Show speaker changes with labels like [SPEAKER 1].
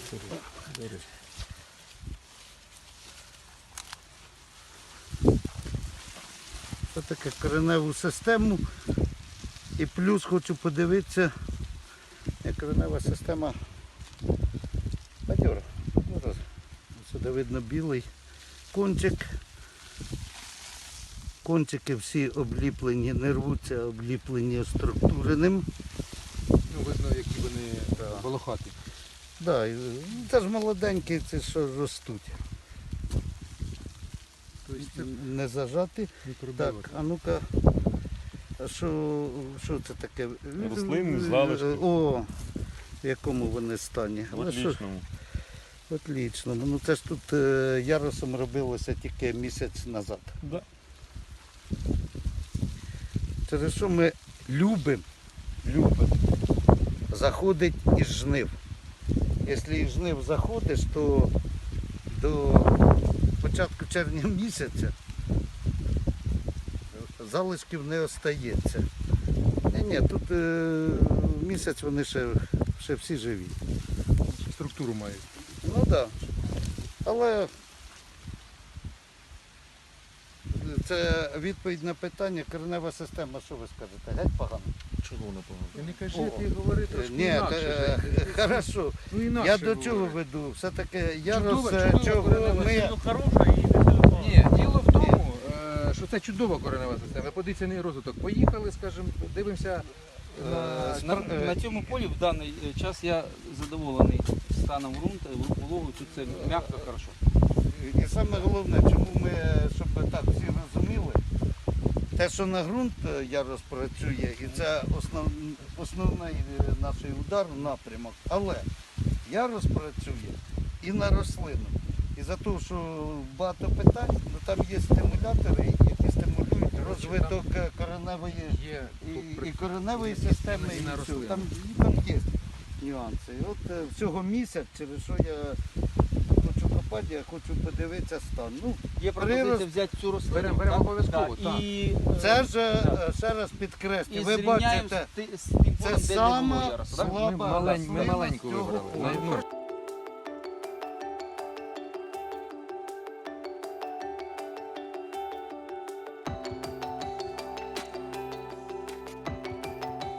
[SPEAKER 1] Це таке кореневу систему. І плюс хочу подивитися, як коренева система бадьора. Сюди видно білий кончик. Кончики всі обліплені, не рвуться, обліплені структуреним.
[SPEAKER 2] Ну, видно, які вони волохаті.
[SPEAKER 1] Да, це ж молоденькі, це що ростуть.
[SPEAKER 2] Тобто
[SPEAKER 1] Не зажати. Так, а ну-ка, що це таке?
[SPEAKER 3] Рослинні залишки.
[SPEAKER 1] О, в якому вони стані.
[SPEAKER 3] В отличному.
[SPEAKER 1] В отличному. Ну це ж тут ярусом робилося тільки місяць назад.
[SPEAKER 3] Да.
[SPEAKER 1] Через що ми любимо заходить із жнив. Якщо із жнив заходиш, то до початку червня місяця залишків не остається. Ні, тут місяць вони ще всі живі.
[SPEAKER 2] структуру мають.
[SPEAKER 1] Ну так. Да. Але це відповідь на питання, коренева система, що ви скажете? Геть погано?
[SPEAKER 3] Чого не погано?
[SPEAKER 2] Ти не кажи, ти говори трошки
[SPEAKER 1] Ні,
[SPEAKER 2] інакше.
[SPEAKER 1] хорошо.
[SPEAKER 2] Ну, інакше
[SPEAKER 1] Я до чого
[SPEAKER 2] говори.
[SPEAKER 1] веду? Все-таки ярус,
[SPEAKER 2] Чудова
[SPEAKER 1] чого
[SPEAKER 2] коренева
[SPEAKER 1] ми...
[SPEAKER 3] Хороша і не сильно.
[SPEAKER 2] Ні, діло в тому, що це чудова коренева система. Подивіться розвиток. Поїхали, скажімо, дивимося
[SPEAKER 4] На цьому полі в даний час я задоволений станом ґрунту, вологою, тут це м'яко, хорошо.
[SPEAKER 1] І саме головне, чому ми, щоб так всі розуміли, те, що на ґрунт ярус працює, і це основний наш удар, напрямок. Але ярус працює і на рослину. І за те, що багато питань, ну, там є стимулятори, які стимулюють розвиток кореневої
[SPEAKER 2] є
[SPEAKER 1] і кореневої системи,
[SPEAKER 2] і на
[SPEAKER 1] і всього.
[SPEAKER 2] рослину.
[SPEAKER 1] Там є нюанси. І от всього місяць, через що я хочу копати, я хочу подивитися стан. Ну,
[SPEAKER 4] Є пропозиція
[SPEAKER 1] прирост-
[SPEAKER 4] взяти цю рослину.
[SPEAKER 2] Беремо
[SPEAKER 4] так?
[SPEAKER 2] обов'язково,
[SPEAKER 4] Так,
[SPEAKER 2] так.
[SPEAKER 4] І,
[SPEAKER 1] це ж,
[SPEAKER 4] так.
[SPEAKER 1] ще раз підкреслю,
[SPEAKER 4] І
[SPEAKER 1] ви
[SPEAKER 4] зрівняємо
[SPEAKER 1] бачите,
[SPEAKER 4] з тим полем,
[SPEAKER 1] це
[SPEAKER 4] де не було
[SPEAKER 1] сама
[SPEAKER 4] ярусу, так?
[SPEAKER 1] слаба
[SPEAKER 2] Ми маленьку
[SPEAKER 1] рослина з
[SPEAKER 2] вибрали.
[SPEAKER 1] цього
[SPEAKER 2] Ну,
[SPEAKER 1] поля.